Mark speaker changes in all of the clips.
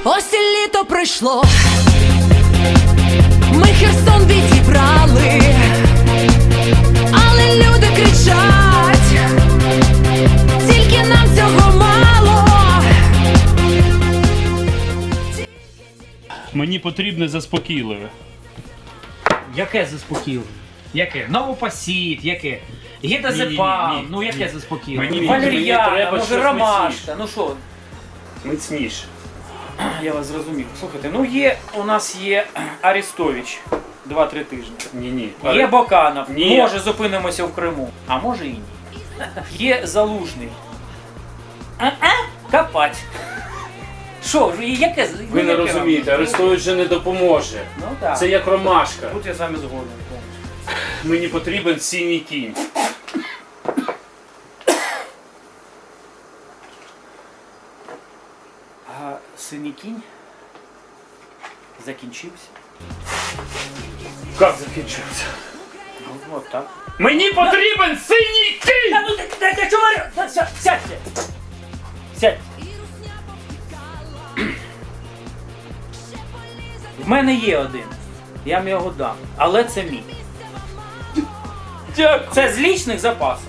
Speaker 1: Ось і літо прийшло, ми Херсон відібрали, але люди кричать, тільки нам цього мало.
Speaker 2: Мені потрібне заспокійливе.
Speaker 3: Яке заспокійливе? Яке? Новопосід, яке? Гідазепам,
Speaker 2: Ні.
Speaker 3: ну яке заспокійливе?
Speaker 2: Мені
Speaker 3: Валер'яна,
Speaker 2: треба
Speaker 3: може
Speaker 2: щось
Speaker 3: ромашка,
Speaker 2: міцніше.
Speaker 3: ну що?
Speaker 2: Міцніше.
Speaker 3: Я вас зрозумів. Слухайте, ну у нас є Арестович 2-3 тижні.
Speaker 2: Ні.
Speaker 3: Є Боканов,
Speaker 2: Ні.
Speaker 3: може зупинимося в Криму, а може і ні. Є Залужний. Копать. Що, яке?
Speaker 2: Ви не розумієте, Арестович же не допоможе.
Speaker 3: Ну так.
Speaker 2: Це як ромашка.
Speaker 3: Тут я з вами згоден.
Speaker 2: Мені потрібен синій кінь.
Speaker 3: А синій кінь закінчився.
Speaker 2: Як закінчився?
Speaker 3: Ну, от так.
Speaker 2: Мені потрібен синій кінь!
Speaker 3: Та ну ти чого? Сядьте! Сядьте! В мене є один. Я вам його дам. Але це мій.
Speaker 2: Дякую.
Speaker 3: Це з лічних запасів.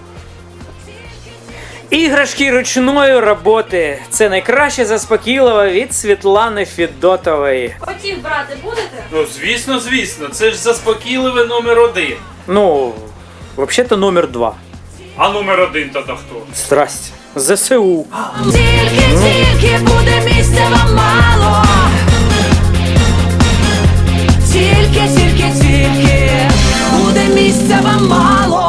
Speaker 3: Іграшки ручної роботи. Це найкраще заспокійливе від Світлани Федотової.
Speaker 1: Хотів брати будете?
Speaker 2: Ну, звісно, це ж заспокійливе номер 1.
Speaker 3: Ну, взагалі-то номер 2.
Speaker 2: А номер 1 то хто?
Speaker 3: Страсть. ЗСУ.
Speaker 1: Тільки буде місця вам мало. Тільки буде місця вам мало.